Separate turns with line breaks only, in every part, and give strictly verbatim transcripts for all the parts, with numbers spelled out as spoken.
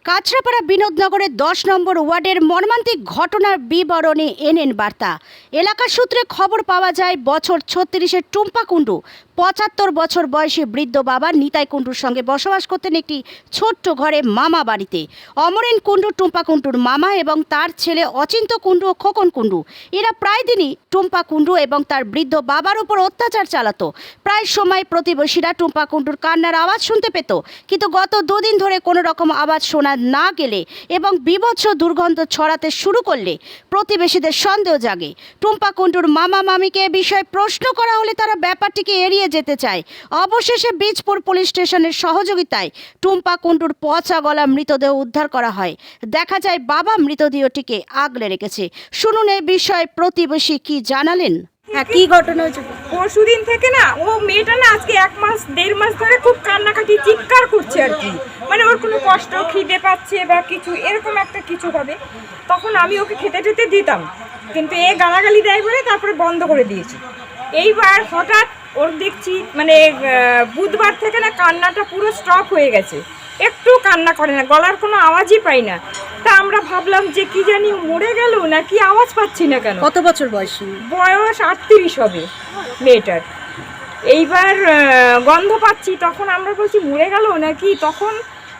কাছড়াপাড়া বিনোদনগরের দশ নম্বর ওয়ার্ডের মর্মান্তিক ঘটনার বিবরণী এনএন বার্তা। এলাকা সূত্রে খবর পাওয়া যায়, বছর ছত্রিশের টুম্পা কুণ্ডু পঁচাত্তর বছর বয়সী বৃদ্ধ বাবা নিতাই কুণ্ডুর সঙ্গে বসবাস করতেন একটি ছোট্ট ঘরে মামা বাড়িতে। অমরেন কুণ্ডু টুম্পা কুণ্ডুর মামা এবং তার ছেলে অচিন্ত কুণ্ডু ও খোকন কুণ্ডু। এরা প্রায় দিনই টুম্পা কুণ্ডু এবং তার বৃদ্ধ বাবার উপর অত্যাচার চালাতো। প্রায় সময় প্রতিবেশীরা টুম্পা কুণ্ডুর কান্নার আওয়াজ শুনতে পেত, কিন্তু গত দুদিন ধরে কোনো রকম আওয়াজ শোনা না গেলে এবং বিভৎস দুর্গন্ধ ছড়াতে শুরু করলে প্রতিবেশীদের সন্দেহ জাগে। টুম্পা কুণ্ডুর মামা মামিকে এ বিষয়ে প্রশ্ন করা হলে তারা ব্যাপারটিকে এড়িয়ে যেতে চায়। অবশেষে বীজপুর পুলিশ স্টেশনের সহযোগিতায় টুম্পা কুণ্ডুর পচা গলা মৃতদেহ উদ্ধার করা হয়। দেখা যায় বাবা মৃতদেহটিকে আগলে রেখেছে। শুনুন এই বিষয়ে প্রতিবেশী কি জানালেন। হ্যাঁ, কি ঘটনা হয়েছে?
পরশু দিন থেকে না, ও মেয়েটা না আজকে এক মাস দেড় মাস ধরে খুব কান্নাকাটি চিৎকার করছে আর কি, মানে ওর কোনো কষ্ট খিদে পাচ্ছে বা কিছু এরকম একটা কিছু হবে। তখন আমি ওকে খেতে টেতে দিতাম, কিন্তু এ গালাগালি দেয় বলে তারপরে বন্ধ করে দিয়েছি। এইবার হঠাৎ ওর দেখছি মানে বুধবার থেকে না কান্নাটা পুরো স্টপ হয়ে গেছে, একটু কান্না করে না, গলার কোনো আওয়াজই পাই না। তা আমরা ভাবলাম যে কি জানি মরে গেল নাকি, আওয়াজ পাচ্ছি না কেন।
কত বছর বয়সী?
বয়স আটত্রিশ হবে মেয়েটার। এইবার গন্ধ পাচ্ছি, তখন আমরা বলছি মরে গেল নাকি। তখন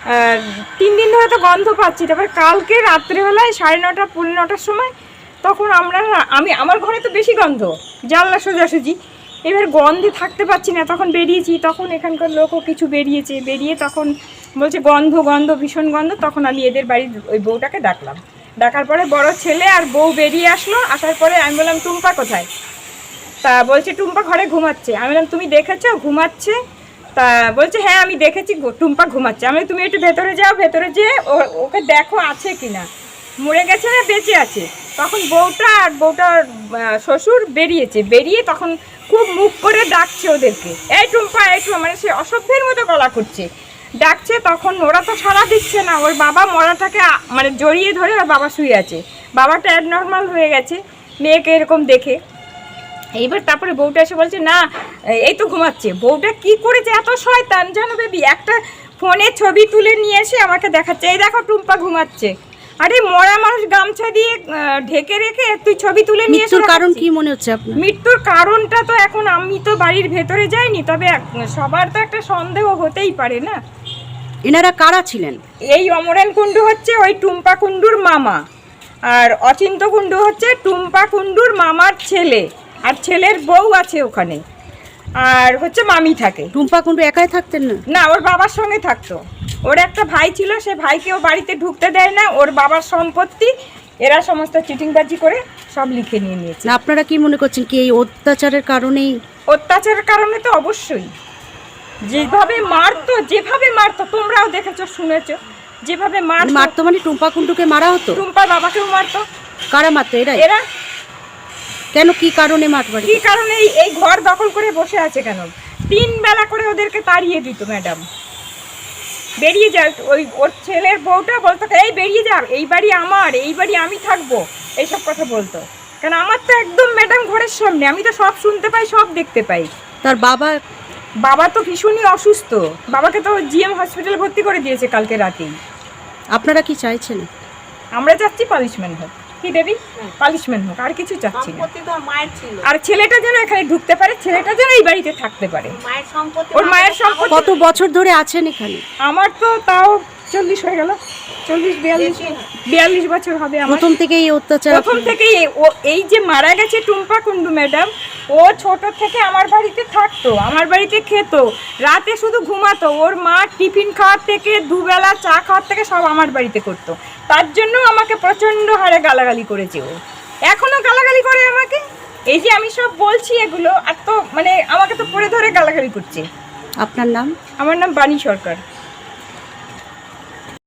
তিন দিন ধরে তো গন্ধ পাচ্ছি। তারপর কালকে রাত্রেবেলায় সাড়ে নটা পৌনে নটার সময় তখন আমরা আমি আমার ঘরে তো বেশি গন্ধ, জানলা সোজাসুজি। এবার গন্ধে থাকতে পারছি না, তখন বেরিয়েছি। তখন এখানকার লোকও কিছু বেরিয়েছে, বেরিয়ে তখন বলছে গন্ধ গন্ধ ভীষণ গন্ধ। তখন আমি এদের বাড়ির ওই বউটাকে ডাকলাম, ডাকার পরে বড় ছেলে আর বউ বেরিয়ে আসলো। আসার পরে আমি বললাম টুম্পা কোথায়? তা বলছে টুম্পা ঘরে ঘুমাচ্ছে। আমি বললাম তুমি দেখেছো ঘুমাচ্ছে? তা বলছে হ্যাঁ আমি দেখেছি টুম্পা ঘুমাচ্ছে। আমি তুমি একটু ভেতরে যাও, ভেতরে যেয়ে ওকে দেখো আছে কিনা, মরে গেছে না বেঁচে আছে। তখন বউটা আর বউটার শ্বশুর বেরিয়েছে, বেরিয়ে তখন খুব মুখ করে ডাকছে ওদেরকে, এই টুম্পা এই টুম্পা, মানে সে অসভ্যের মতো গলা করছে, ডাকছে। তখন ওরা তো সাড়া দিচ্ছে না। ওর বাবা মরাটাকে মানে জড়িয়ে ধরে ওর বাবা শুয়ে আছে, বাবাটা অ্যাবনর্মাল হয়ে গেছে মেয়েকে এরকম দেখে। এইবার তারপরে বউটা এসে বলছে না এই তো ঘুমাচ্ছে। বউটা কি করেছে এত শয়তান জানো বেবি, একটা ফোনে ছবি তুলে নিয়ে এসে আমাকে দেখাচ্ছে, এই দেখো টুম্পা ঘুমাচ্ছে। আরে মরা মানুষ গামছা দিয়ে ঢেকে রেখে তুই ছবি তুলে নিয়ে এসে।
মৃত্যুর কারণ কি মনে হচ্ছে আপনার?
মৃত্যুর কারণটা তো এখন আমি তো বাড়ির ভেতরে যাইনি, তবে সবার তো একটা সন্দেহ হতেই পারে না।
এনারা কারা ছিলেন?
এই অমরেন কুণ্ডু হচ্ছে ওই টুম্পা কুণ্ডুর মামা, আর অচিন্ত কুণ্ডু হচ্ছে টুম্পা কুণ্ডুর মামার ছেলে, আর ছেলের বউ আছে ওখানে, আর হচ্ছে মামি থাকে।
টুম্পা কুণ্ডু একাই থাকতেন না?
না, ওর বাবার সঙ্গে থাকতো। ওর একটা ভাই ছিল, সে ভাইকেও বাড়িতে ঢুকতে দেয় না। ওর বাবার সম্পত্তি এরা সমস্ত চিটিংবাজি করে সব লিখে নিয়ে নিয়েছে।
না, আপনারা কি মনে করছেন কি এই অত্যাচারের কারণেই?
অত্যাচারের কারণে তো অবশ্যই। যেভাবে মারতো যেভাবে মারতো তোমরাও দেখেছো শুনেছো, যেভাবে মারতো।
মারতো মানে টুম্পা কুণ্ডুকে মারা হতো?
টুম্পার বাবাকেও মারতো।
কারা মারতো? এরা?
এরা।
কেন, কি কারণে মারতো?
কি কারণে? এই ঘর দখল করে বসে আছে কেন? তিন বেলা করে ওদেরকে তাড়িয়ে দিত ম্যাডাম, বেরিয়ে যা। ওই ওর ছেলের বউটা বলতো এই বেরিয়ে যা, এই বাড়ি আমার, এই বাড়ি আমি থাকবো, এইসব কথা বলতো। কেন আমার তো একদম ম্যাডাম ঘরের সামনে, আমি তো সব শুনতে পাই, সব দেখতে পাই।
তার বাবা?
বাবা তো ভীষণই অসুস্থ, বাবাকে তো জিএম হসপিটালে ভর্তি করে দিয়েছে কালকে রাতেই।
আপনারা কি চাইছেন?
আমরা চাচ্ছি পানিশমেন্ট হোক। কি দেবী? পানিশমেন্ট হোক, আর কিছু চাচ্ছি না। আর ছেলেটা যেন এখানে ঢুকতে পারে, ছেলেটা যেন এই বাড়িতে থাকতে পারে। ওর মায়ের সম্পত্তি।
কত বছর ধরে আছেন এখানে?
আমার তো তাও চল্লিশ হয়ে গেল, চল্লিশ বিয়াল্লিশ বিয়াল্লিশ বছর হবে।
প্রথম থেকে এই অত্যাচার?
প্রথম থেকেই। ও এই যে মারা গেছে টুম্পা কুণ্ডু ম্যাডাম, ও ছোট থেকে আমার বাড়িতে থাকতো, আমার বাড়িতে খেত, রাতে শুধু ঘুমাতো। ওর মা টিফিন খাওয়ার থেকে দুবেলা চা খাওয়ার থেকে সব আমার বাড়িতে করতো। তার জন্য আমাকে প্রচণ্ড হারে গালাগালি করেছে ও, এখনও গালাগালি করে আমাকে। এই যে আমি সব বলছি এগুলো, আর তো মানে আমাকে তো পড়ে ধরে গালাগালি করছে।
আপনার নাম?
আমার নাম বাণী সরকার।